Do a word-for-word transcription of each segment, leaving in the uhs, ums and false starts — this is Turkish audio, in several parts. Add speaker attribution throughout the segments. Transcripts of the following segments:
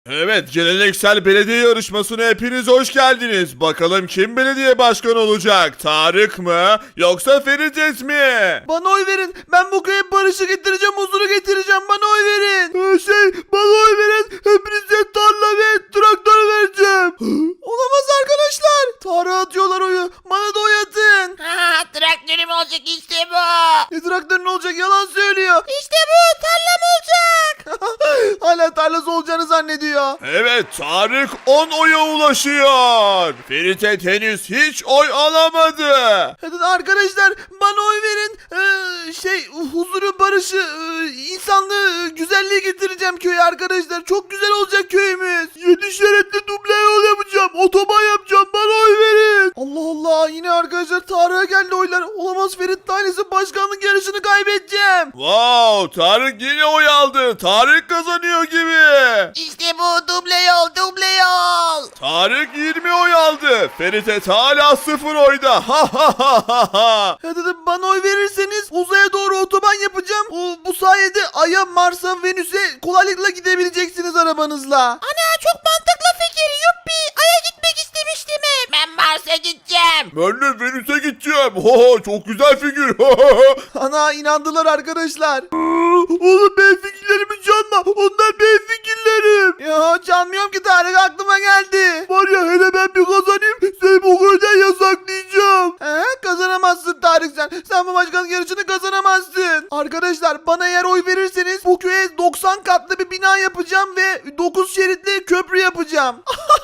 Speaker 1: Evet, geleneksel belediye yarışmasına hepiniz hoş geldiniz. Bakalım kim belediye başkanı olacak? Tarık mı yoksa Ferit mi?
Speaker 2: Bana oy verin. Ben bu köye barışı getireceğim, huzuru getireceğim. Bana oy verin. Ee, şey, bana oy verin. Hepinize tarla ve traktör vereceğim. Olamaz arkadaşlar. Tarık'a atıyorlar oyu. Bana da oy atın.
Speaker 3: Ha, traktörüm olacak işte bu.
Speaker 2: Ne traktör ne olacak? Yalan söylüyor.
Speaker 3: İşte bu tarlam olacak.
Speaker 2: Hala tarlası olacağını zannediyor.
Speaker 1: Evet, Tarık on oya ulaşıyor. Ferit henüz hiç oy alamadı.
Speaker 2: Hadi arkadaşlar bana oy verin. Ee, şey huzuru, barışı, e, insanlığı, güzelliği getireceğim köye arkadaşlar. Çok güzel olacak köyümüz. Yedi şeritli duble yol yapacağım. Otoban yapacağım. Bana oy verin. Allah Allah, yine arkadaşlar Tarık'a geldi oylar. Olamaz, Ferit ailesi başkanlık yarışını kaybedeceğim.
Speaker 1: Wow, Tarık yine oy aldı. Tarık kazanıyor gibi.
Speaker 3: İşte bu duble yol duble yol.
Speaker 1: Tarık yirmi oy aldı. Ferit hala sıfır oyda. Ha ha ha ha ha.
Speaker 2: Hadi de bana oy verirseniz uzaya doğru otoban yapacağım. Bu, bu sayede Ay'a, Mars'a, Venüs'e kolaylıkla gidebileceksiniz arabanızla.
Speaker 3: Ana çok mantıklı fikir yuppi. Ay'a gitmek istemiştim hep. Ben Mars'a gideceğim.
Speaker 1: Ben de Venüs'e gideceğim. Ha, çok güzel figür.
Speaker 2: Ana inandılar arkadaşlar. Oğlum benim fikirlerimi çalma. Onlar benim fikirlerim. Ya çalmıyorum ki Tarık, aklıma geldi. Var ya, hele ben bir kazanayım seni bu köyden yasaklayacağım. He, kazanamazsın Tarık sen. Sen bu başkanlık yarışını kazanamazsın. Arkadaşlar bana eğer oy verirseniz bu köye doksan katlı bir bina yapacağım ve dokuz şeritli köprü yapacağım.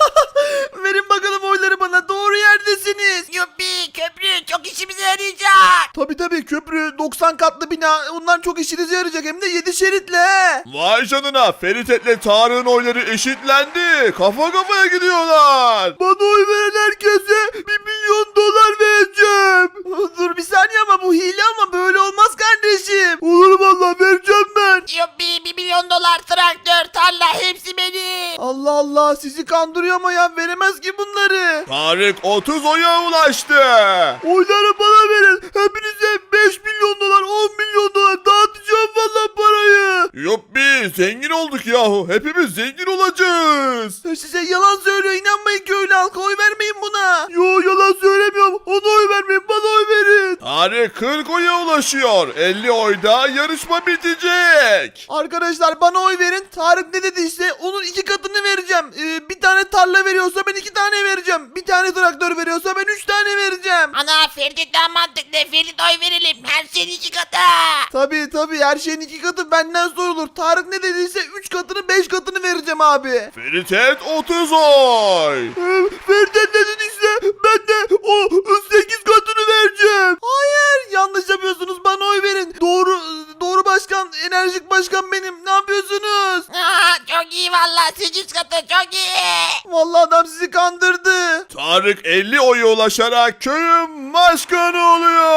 Speaker 2: Verin bakalım oyları bana. Doğru yerdesiniz.
Speaker 3: Yuppi köprü çok işimize yarayacak.
Speaker 2: Tabi tabi, köprü, doksan katlı bina, onlar çok işinize yarayacak, hem de yedi şeritle. He.
Speaker 1: Vay canına, Ferit Tarık'ın oyları eşitlendi. Kafa kafaya gidiyorlar.
Speaker 2: Bana oy veren herkese bir milyon dolar vereceğim. Dur bir saniye, ama bu hile, ama böyle olmaz kardeşim. Olur vallahi, vereceğim ben.
Speaker 3: Yuppi bir milyon dolar traktör tarla hepsi benim.
Speaker 2: Allah Allah, sizi kandırıyor ama ya, veremez ki bunları.
Speaker 1: Tarık otuz oya ulaştı.
Speaker 2: Oyları bana verin. Hepinize beş milyon dolar, on milyon dolar dağıtacağım vallahi parayı.
Speaker 1: Yuppi, zengin olduk yahu. Hepimiz zengin olacağız.
Speaker 2: Size yalan söylüyor, inanmayın köylü halka, oy vermeyin buna. Yo, yalan söylemiyorum, ona oy vermeyin, bana oy verin.
Speaker 1: Tarık kırk oya ulaşıyor. elli oyda yarışma bitecek.
Speaker 2: Arkadaşlar bana oy verin. Tarık ne dediyse onun iki katını vereceğim. Ee, bir tane tarla veriyorsa ben iki tane vereceğim. Bir tane traktör veriyorsa ben üç tane vereceğim.
Speaker 3: Ana Ferit daha mantıklı. Ferit oy verelim. Her şeyin iki katı.
Speaker 2: Tabii tabii, her şeyin iki katı benden sorulur. Tarık ne dediyse üç katını, beş katını vereceğim abi.
Speaker 1: Ferit otuz oy.
Speaker 2: Ee, Ferdet ne dediyse ben de o sekiz katını vereceğim. Hayır, yanlış yapıyorsunuz, bana oy verin. Doğru doğru başkan, enerjik başkan benim. Ne yapıyorsunuz?
Speaker 3: Aa, çok iyi valla. Sekiz katı çok iyi.
Speaker 2: Vallahi adam sizi kandırdı.
Speaker 1: Tarık elli oya ulaşarak köyün başkanı oluyor.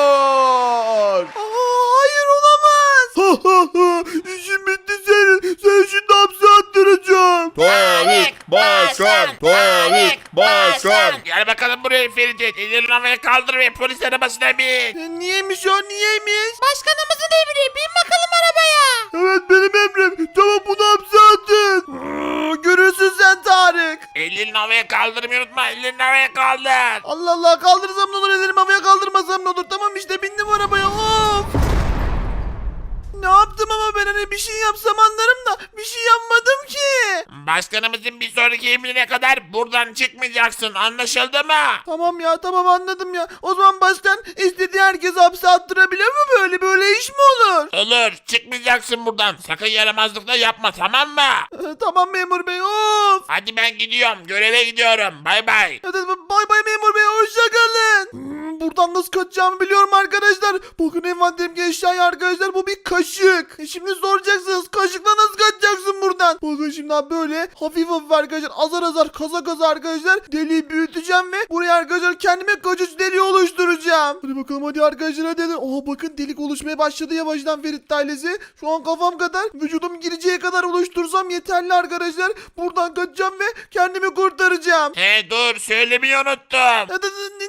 Speaker 2: Aa, hayır, olamaz. İşim bitti senin. Sen şimdi hapse attıracağım.
Speaker 1: Tarık başkan, Tarık başkan.
Speaker 4: Gel bakalım buraya Ferit. Ellerini havaya kaldır ve polis arabasına bin.
Speaker 2: E, Niyeymiş o, niyeymiş?
Speaker 3: Başkanımızın emri. Bin bakalım arabaya.
Speaker 2: Evet, benim emrim. Tamam, bunu hapse atın. Aa, görürsün sen Tarık.
Speaker 4: Ellerini havaya kaldırmayı unutma. Ellerini havaya kaldır.
Speaker 2: Allah Allah, kaldırsam ne olur, ellerimi havaya kaldırmasam ne olur. Tamam işte, bindim arabaya. Of. Ne yaptım ama ben, hani bir şey yapsam anlarım da bir şey yapmadım ki.
Speaker 4: Başkanımızın bir sonraki emrine kadar buradan çıkmayacaksın. Anlaşıldı mı?
Speaker 2: Tamam ya, tamam, anladım ya. O zaman başkan istediği herkesi hapse attırabilir mi? Böyle böyle iş mi olur?
Speaker 4: Olur. Çıkmayacaksın buradan. Sakın yaramazlık da yapma, tamam mı?
Speaker 2: Ee, tamam memur bey, of.
Speaker 4: Hadi ben gidiyorum. Göreve gidiyorum. Bay bay.
Speaker 2: Hadi bay bay memur bey, hoşça kalın. Hmm, buradan nasıl kaçacağımı biliyorum arkadaşlar. Bakın envanterimdeki eşyayı arkadaşlar, bu bir kaşık. E şimdi soracaksınız, kaşıkla nasıl kaçacaksın buradan? Bakın şimdi abi, böyle hafif hafif arkadaşlar, azar azar, kaza kaza arkadaşlar deliği büyüteceğim ve buraya arkadaşlar kendime kaçış deliği oluşturacağım. Hadi bakalım, hadi arkadaşlar, hadi hadi. Oha, bakın delik oluşmaya başladı yavaştan Ferit ailesi. Şu an kafam kadar, vücudum gireceği kadar oluştursam yeterli arkadaşlar. Buradan kaçacağım ve kendimi kurtaracağım.
Speaker 4: He dur, söylemeyi unuttum.
Speaker 2: Hadi, hadi,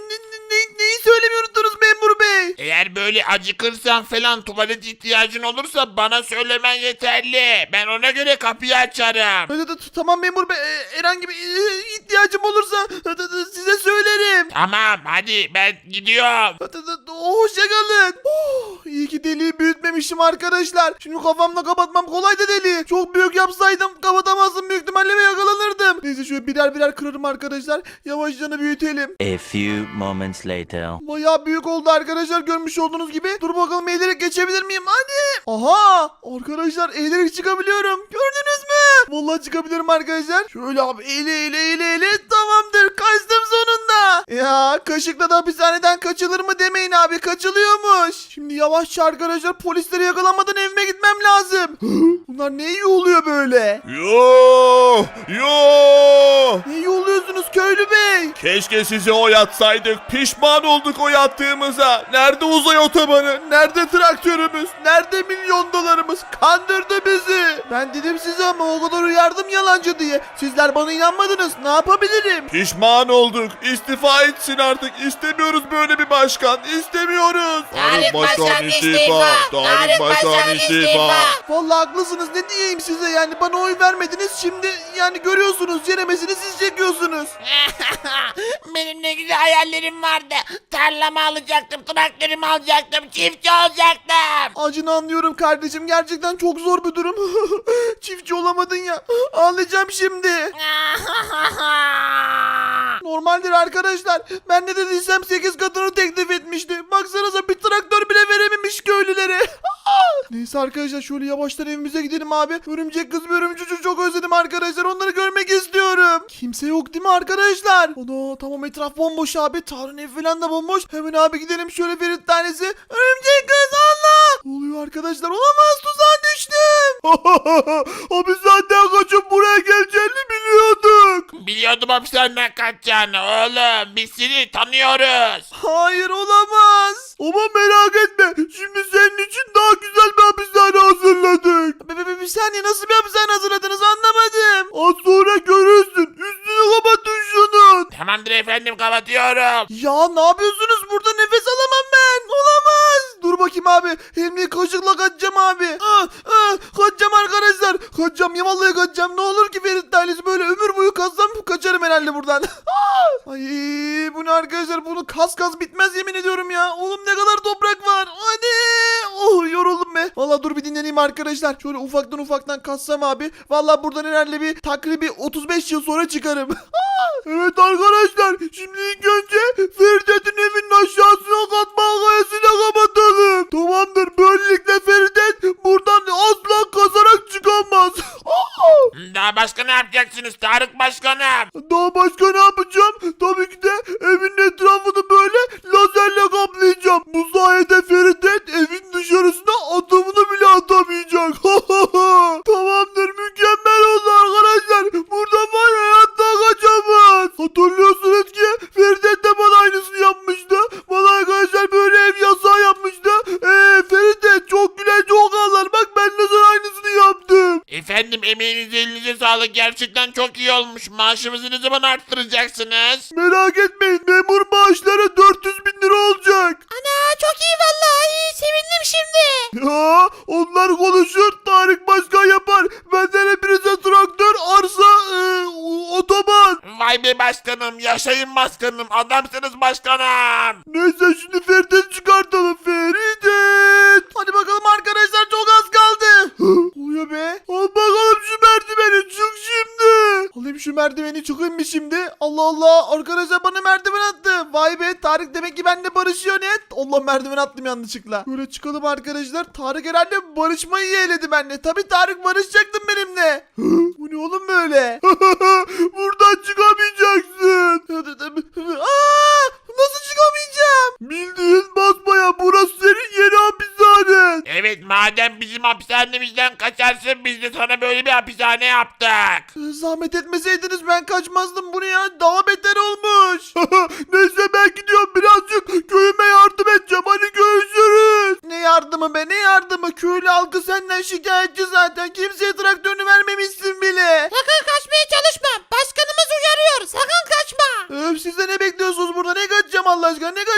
Speaker 2: Ne, neyi söylemeyi unuttunuz memur bey?
Speaker 4: Eğer böyle acıkırsan falan tuvalet ihtiyacın olursa bana söylemen yeterli. Ben ona göre kapıyı açarım.
Speaker 2: Hadi, hadi, tamam memur bey. Ee, herhangi bir e, ihtiyacım olursa hadi, hadi, size söylerim.
Speaker 4: Tamam hadi ben gidiyorum.
Speaker 2: Hadi, hadi, hoşçakalın. Oh, iyi ki deliği büyütmemişim arkadaşlar. Şimdi kafamla kapatmam kolaydı deliği. Çok büyük yapsaydım kapatamazdım, büyük ihtimalle ve yakalanırdım. Neyse şöyle birer birer kırarım arkadaşlar. Yavaşça büyütelim.
Speaker 5: A few moments later.
Speaker 2: Bayağı büyük oldu arkadaşlar, görmüş olduğunuz gibi. Dur bakalım, eğilerek geçebilir miyim? Hadi. Aha arkadaşlar, eğilerek çıkabiliyorum. Gördünüz mü? Vallahi çıkabilirim arkadaşlar. Şöyle abi eğile eğile eğile eğile. Tamamdır, kaçtım sonunda. Ya kaşıkla da hapishaneden kaçılır mı demeyin abi, kaçılıyormuş. Şimdi yavaşça arkadaşlar polisleri yakalanmadan evime gitmem lazım. Bunlar ne iyi oluyor böyle?
Speaker 1: Yo! Yo!
Speaker 2: Ne iyi oluyorsunuz köylü bey?
Speaker 1: Keşke size oy atsaydık. Pişman olduk oy attığımıza. Nerede uzay otobanı? Nerede traktörümüz? Nerede milyon dolarımız? Kandırdı bizi.
Speaker 2: Ben dedim size ama o kadar uyardım yalancı diye. Sizler bana inanmadınız. Ne yapabilirim?
Speaker 1: Pişman olduk. İstifa etsin artık. İstemiyoruz böyle bir başkan. İstemiyoruz.
Speaker 3: Tarık Başkan istifa.
Speaker 1: Tarık Başkan istifa.
Speaker 2: Vallahi haklısınız, ne diyeyim size yani, bana oy vermediniz, şimdi yani görüyorsunuz ceremesini siz çekiyorsunuz.
Speaker 3: Benim ne güzel hayallerim vardı. Tarlamı alacaktım, traktörümü alacaktım, çiftçi olacaktım.
Speaker 2: Acını anlıyorum kardeşim, gerçekten çok zor bir durum. Çiftçi olamadın ya, ağlayacağım şimdi. Normaldir arkadaşlar, ben ne dediysem sekiz katını teklif etmişti. Baksanıza bir traktör bile verememiş köylülere. Neyse arkadaşlar, şöyle yavaştan evimize gidelim abi. Örümcek kız ve örümcek çocuğu çok özledim arkadaşlar, onları görmek istiyorum. Kimse yok değil mi arkadaşlar? Ana tamam, etraf bomboş abi. Tarık'ın ev falan da bomboş. Hemen abi gidelim şöyle Ferit tanesi. Örümcek kız, Allah! Ne oluyor arkadaşlar? Olamaz, tuzağa düştüm. Hapishaneden kaçıp buraya geleceğini biliyorduk.
Speaker 4: Biliyordum hapishaneden kaçacağını oğlum. Biz seni tanıyoruz.
Speaker 2: Hayır, olamaz. Ama merak etme, şimdi senin için daha güzel bir hapishane hazırladık. Bir, bir, bir saniye, nasıl bir hapishane hazırladınız anlamadım. Az sonra görürsün. Üstünü kapatın şunun.
Speaker 4: Tamamdır efendim kapatıyorum.
Speaker 2: Ya ne yapıyorsunuz burada, nefes alamam ben. Olamaz. Dur bakayım abi. Elimle kaşıkla kaçacağım abi. Ah, ah, kaçacağım arkadaşlar. Kaçacağım ya, vallahi kaçacağım. Ne olur ki Ferit ailesi böyle ömür boyu kazsam kaçarım herhalde buradan. Ay bu ne arkadaşlar, bunu kas kas bitmez yemin ediyorum ya. Oğlum ne kadar toprak var. Hadi. Oh yoruldum be. Valla dur bir dinleneyim arkadaşlar. Şöyle ufaktan ufaktan kassam abi. Valla buradan herhalde bir takribi otuz beş yıl sonra çıkarım. Evet arkadaşlar, şimdi ilk önce Feridet'in evinin aşağısına katma kayasıyla kapatalım. Tamamdır, böylelikle Feridet buradan asla kazarak çıkamaz.
Speaker 4: Daha başka ne yapacaksınız Tarık Başkanım?
Speaker 2: Daha başka ne yapacağım? Tabii ki de evin etrafını böyle lazerle kaplayacağım. Bu sayede Feridet evin dışarısına adımını bile atamayacak. Tamamdır, mükemmel oldu arkadaşlar. Buradan var ya, hayatta kaçamaz. Hatırlıyorsunuz ki Feridet de bana aynısını yapmıştı. Bana arkadaşlar böyle ev yasağı yapmıştı. Eee Feridet çok güler çok ağlar. Bak ben de sana aynısını yaptım.
Speaker 4: Efendim emeğinize elinize sağlık. Gerçekten çok iyi olmuş. Maaşımızı ne zaman arttıracaksınız?
Speaker 2: Merak etmeyin, memur maaşları dört yüz bin lira olacak.
Speaker 3: Ana çok iyi vallahi, sevindim şimdi.
Speaker 2: Ya onlar konuşur, Tarık Başkan yapar. Benden hepinize traktör, arsa, e, otoban.
Speaker 4: Vay be başkanım. Yaşayın başkanım. Adamsınız başkanım.
Speaker 2: Neyse şimdi Ferit'i çıkartalım. Ferit. Hadi bakalım arkadaşlar, çok az kaldı. Oluyor be. Al bakalım şu merdiveni, çık şimdi. Alayım şu merdiveni, çıkayım mı şimdi? Allah Allah, arkadaşlar bana merdiven attı. Vay be, Tarık demek ki benimle barışıyor net. Allah, merdiven attım yanlışlıkla. Böyle çıkalım arkadaşlar. Tarık herhalde barışmayı yeğledi benimle. Tabii Tarık barışacaktın benimle. Bu ne oğlum böyle? Buradan çıkamayacaksın. Aa, nasıl çıkamayacağım? Bildiğin basmaya, burası senin yeni hapishanen.
Speaker 4: Evet madem bizim hapishanemizden kaçarsın biz de sana böyle bir hapishane yaptık.
Speaker 2: Zahmet etmeseydiniz ben kaçmazdım, bunu ya. Daha beter olmuş. Neyse ben gidiyorum, birazcık köyüme yardım edeceğim. Hadi görüşürüz. Ne yardımı be, ne yardımı? Köylü halkı senden şikayetçi zaten. Kimseye traktörünü vermemişsin bile.
Speaker 3: Sakın kaçmaya çalışma. Başkanımız uyarıyor. Sakın kaçma.
Speaker 2: Öf, siz de ne bekliyorsunuz burada? Ne kaçacağım Allah aşkına? Ne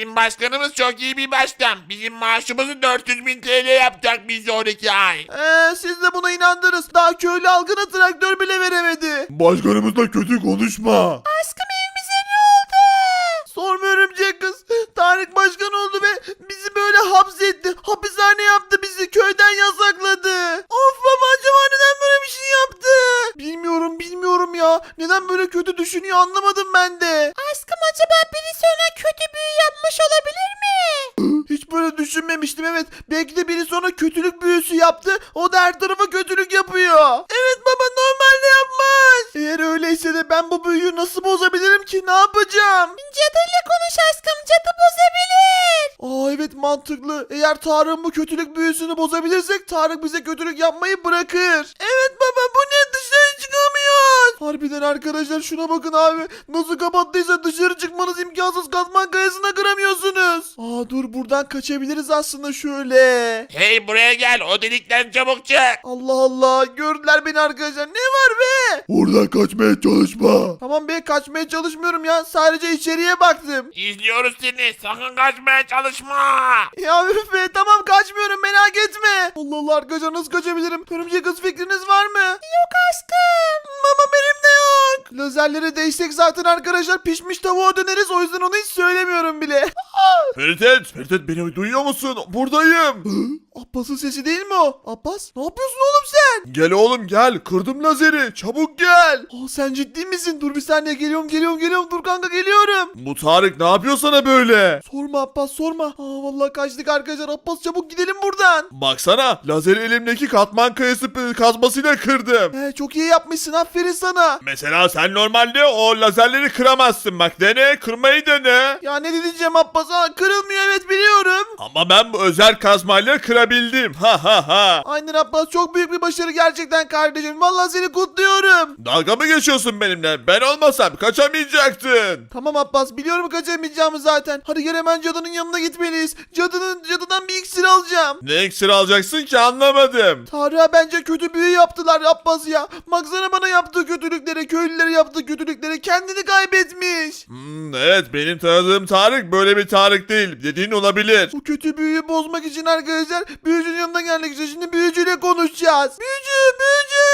Speaker 4: Bizim başkanımız çok iyi bir başkan. Bizim maaşımızı dört yüz bin T L yapacak bir sonraki ay.
Speaker 2: Eee siz de buna inandınız. Daha köylü halkına traktör bile veremedi.
Speaker 1: Başkanımızla kötü konuşma.
Speaker 2: Aşkım evimize ne oldu? Sorma örümcek kız. Tarık başkan oldu ve bizi böyle hapsetti. Hapishane yaptı bizi. Köyden yasakladı. Of baba acaba neden böyle bir şey yaptı? Bilmiyorum bilmiyorum ya. Neden böyle kötü düşünüyor anlamadım ben de. Aşkım acaba birisi ona kötü büyü yapmış olabilir mi? Hiç böyle düşünmemiştim evet. Belki de biri sonra kötülük büyüsü yaptı. O da her tarafa kötülük yapıyor. Evet baba normalde yapmaz. Eğer öyleyse de ben bu büyüyü nasıl bozabilirim ki? Ne yapacağım? Cadıyla konuş aşkım. Cadı bozabilir. Aa evet mantıklı. Eğer Tarık'ın bu kötülük büyüsünü bozabilirsek Tarık bize kötülük yapmayı bırakır. Evet baba bu ne dışarı çıkamıyoruz. Harbiden arkadaşlar şuna bakın abi. Nasıl kapattıysa dışarı çıkmanız imkansız. Katman kayasına kıramıyorsunuz. Aa dur buradan kaçabiliriz aslında şöyle.
Speaker 4: Hey buraya gel, o delikten çabuk çık.
Speaker 2: Allah Allah gördüler beni arkadaşlar. Ne var be?
Speaker 1: Oradan kaçmaya çalışma.
Speaker 2: Tamam be kaçmaya çalışmıyorum ya. Sadece içeriye baktım.
Speaker 4: İzliyoruz seni, sakın kaçmaya çalışma.
Speaker 2: Ya üf be tamam kaçmıyorum merak etme. Allah Allah arkadaşlar nasıl kaçabilirim? Örümcek kız fikriniz var mı? Yok aşkım. Mama benim de yok. Lazerlere değsek zaten arkadaşlar pişmiş tavuğa döneriz. O yüzden onu hiç söylemiyorum bile.
Speaker 1: Feritet, Feritet beni duyuyor musun? Buradayım.
Speaker 2: Abbas'ın sesi değil mi o? Abbas ne yapıyorsun oğlum sen?
Speaker 1: Gel oğlum gel. Kırdım lazeri. Çabuk gel.
Speaker 2: Aa, sen ciddi misin? Dur bir saniye geliyorum geliyorum geliyorum. Dur kanka geliyorum.
Speaker 1: Bu Tarık ne yapıyor sana böyle?
Speaker 2: Sorma Abbas sorma. Aa, vallahi kaçtık arkadaşlar. Abbas çabuk gidelim buradan.
Speaker 1: Baksana lazeri elimdeki katman kayası p- kazmasıyla kırdım.
Speaker 2: He, çok iyi yapmışsın aferin sana.
Speaker 1: Mesela sen normalde o lazerleri kıramazsın. Bak dene, kırmayı dene.
Speaker 2: Ya ne diyeceğim Abbas? Aa, kırılmıyor evet biliyorum.
Speaker 1: Ama ben bu özel kazmayla kırabildim. Ha ha ha.
Speaker 2: Aynen Abbas çok büyük bir başarı gerçekten kardeşim. Vallahi seni kutluyorum.
Speaker 1: Dalga mı geçiyorsun benimle? Ben olmasam kaçamayacaktın.
Speaker 2: Tamam Abbas biliyorum kaçamayacağımı zaten. Hadi gel hemen cadının yanına gitmeliyiz. Cadının cadıdan bir iksir alacağım.
Speaker 1: Ne iksir alacaksın ki anlamadım.
Speaker 2: Tarık'a bence kötü büyü yaptılar Abbas ya. Baksana bana yaptığı kötülüklere, köylülere yaptığı kötülüklere kendini kaybetmiş.
Speaker 1: Hmm, evet benim tanıdığım Tarık böyle bir Tarık değil. Dediğin olabilir.
Speaker 2: Bu kötü büyüyü bozmak için arkadaşlar büyücünün yanına geldik işte. Şimdi büyücüyle konuşacağız. Büyücü, büyücü.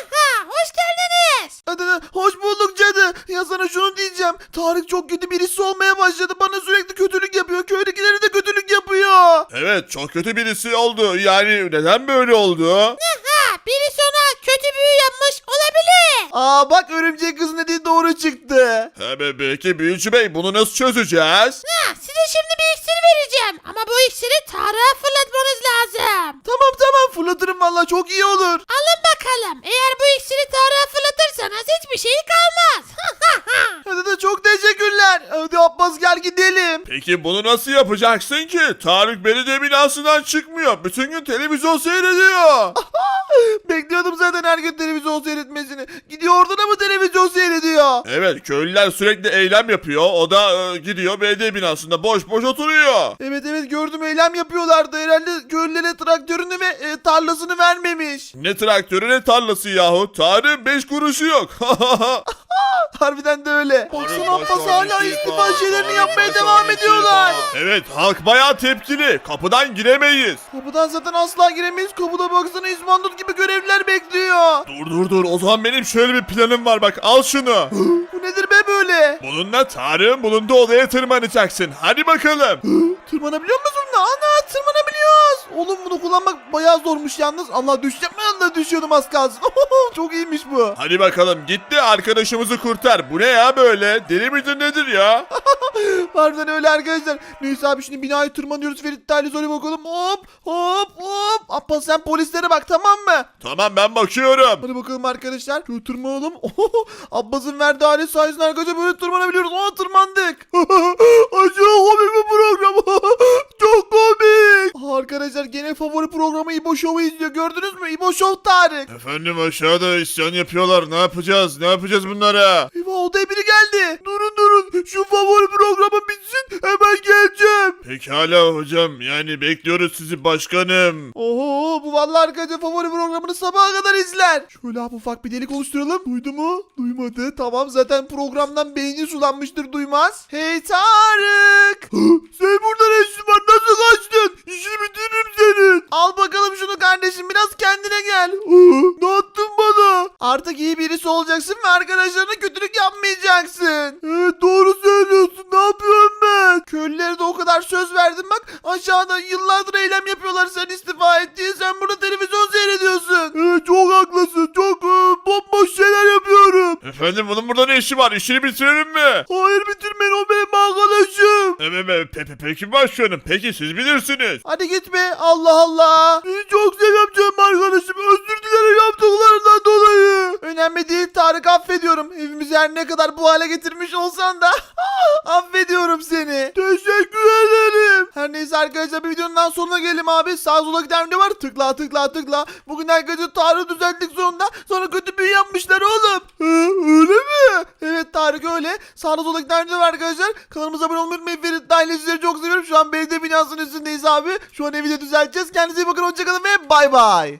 Speaker 3: Hoş geldiniz.
Speaker 2: Hadi hadi, hoş bulduk cadı. Ya sana şunu diyeceğim. Tarık çok kötü birisi olmaya başladı. Bana sürekli kötülük yapıyor. Köydekilere de kötülük yapıyor.
Speaker 1: Evet çok kötü birisi oldu. Yani neden böyle oldu?
Speaker 3: Ha, birisi ona kötü büyü yapmış olabilir.
Speaker 2: Aa bak örümcek kız dediği doğru çıktı.
Speaker 1: He be, peki büyücü bey bunu nasıl çözeceğiz?
Speaker 3: Ha, size şimdi bir iksir vereceğim. Ama bu iksiri Tarık'a fırlatmanız lazım.
Speaker 2: Tamam tamam fırlatırım valla çok iyi olur.
Speaker 3: Alın bakalım. Eğer bu iksiri Tarık'a fırlatırsanız hiçbir şey kalmaz.
Speaker 2: Hadi de çok teşekkürler. Hadi Abbas gel gidelim.
Speaker 1: Peki bunu nasıl yapacaksın ki? Tarık belediye binasından çıkmıyor. Bütün gün televizyon seyrediyor.
Speaker 2: Bekliyordum zaten her gün televizyon seyretmesini. Gidiyor orada da mı televizyon seyrediyor?
Speaker 1: Evet köylüler sürekli eylem yapıyor. O da e, gidiyor belediye binasında boş boş oturuyor.
Speaker 2: Evet evet gördüm eylem yapıyorlardı. Herhalde köylülere traktörünü ve e, tarlasını vermemiş.
Speaker 1: Ne traktörü ne tarlası yahu. Tarık'ın beş kuruşu yok.
Speaker 2: Harbiden de öyle. Baksana
Speaker 1: Tarık
Speaker 2: Abbas
Speaker 1: başkan
Speaker 2: hala
Speaker 1: istifa,
Speaker 2: istifa şeylerini
Speaker 1: Tarık
Speaker 2: yapmaya
Speaker 1: başkan
Speaker 2: devam ediyorlar.
Speaker 1: Evet halk bayağı tepkili. Kapıdan giremeyiz.
Speaker 2: Kapıdan zaten asla giremeyiz. Kapıda baksana İzbandut gibi görevliler bekliyor.
Speaker 1: Dur dur dur o zaman benim şöyle bir planım var bak al şunu.
Speaker 2: Bu nedir be böyle?
Speaker 1: Bununla Tarık'ın bulunduğu odaya tırmanacaksın. Hadi bakalım.
Speaker 2: Tırmanabiliyor musun da? Ana tırmanabiliyoruz. Oğlum bunu kullanmak bayağı zormuş yalnız. Allah düşeceğim ben de düşüyordum az kalsın. Çok iyiymiş bu.
Speaker 1: Hadi bakalım gitti arkadaşımızı kurtar. Bu ne ya böyle? Deli midir nedir ya?
Speaker 2: Harbiden öyle arkadaşlar. Neyse abi şimdi binayı tırmanıyoruz. Ferit Tali Zoli bakalım. Hop hop hop. Abbas sen polislere bak tamam mı?
Speaker 1: Tamam ben bakıyorum.
Speaker 2: Hadi bakalım arkadaşlar. Şöyle tırmanalım. Abbas'ın verdiği alet sayesinde arkadaşlar böyle tırmanabiliyoruz. Aa tırmandık. Acayip komik bir program. Çok komik. Aa, arkadaşlar gene favori programı İbo Show'u izliyor. Gördünüz mü? İbo Show Tarık.
Speaker 1: Efendim aşağıda isyan yapıyorlar. Ne yapacağız? Ne yapacağız bunlara?
Speaker 2: Eyvah odaya biri geldi. Durun durun. Şu favori programı bitsin hemen geleceğim.
Speaker 1: Pekala hocam, yani bekliyoruz sizi başkanım.
Speaker 2: Oho, bu vallahi arkadaşlar favori programını sabaha kadar izler. Şöyle abi ufak bir delik oluşturalım. Duydu mu? Duymadı. Tamam, zaten programdan beyni sulanmıştır, duymaz. Hey Tarık. Sen burada ne işin var? Nasıl kaçtın? İşini bitiririm senin. Al bakalım şunu kardeşim, biraz kendine gel. Ne attın bana? Artık iyi birisi olacaksın ve arkadaşlarına kötülük yapmayacaksın. Evet, doğru söylüyorsun. Ne yapıyorum ben? Köylülere de o kadar söz verdim bak. Aşağıda yıllardır eylem yapıyorlar sen istifa et diye. Sen burada televizyon seyrediyorsun. Evet, çok haklısın. Çok e, bomboş şeyler yapıyorum.
Speaker 1: Efendim, bunun burada ne işi var? İşini bitirelim mi?
Speaker 2: Hayır, bitirmeyin, o benim arkadaşım.
Speaker 1: Evet, pe pe peki başkanım. Peki siz bilirsiniz.
Speaker 2: Hadi gitme, Allah Allah. Seni çok seviyorum canım arkadaşım. Özür dilerim yaptıklarından dolayı. Önemli değil Tarık, affediyorum. Evimizi her ne kadar bu hale getirmiş olsan da affediyorum seni. Teşekkür ederim. Her neyse arkadaşlar, bir videonun daha sonuna gelelim abi. Sağ sola giden video var. Tıkla tıkla tıkla. Bugün arkadaşlar Tarık'ı düzelttik sonunda. Sonra kötü büyü yapmışlar oğlum. Hı, öyle mi? Evet Tarık öyle. Sağda sola giden video var arkadaşlar. Kanalımıza abone olmayı unutmayın. Ferit dahil sizleri çok seviyorum. Şu an belediye binasının üstündeyiz abi. Şu an evi de düzelteceğiz. Kendinize iyi bakın. Hoşçakalın ve bay bay.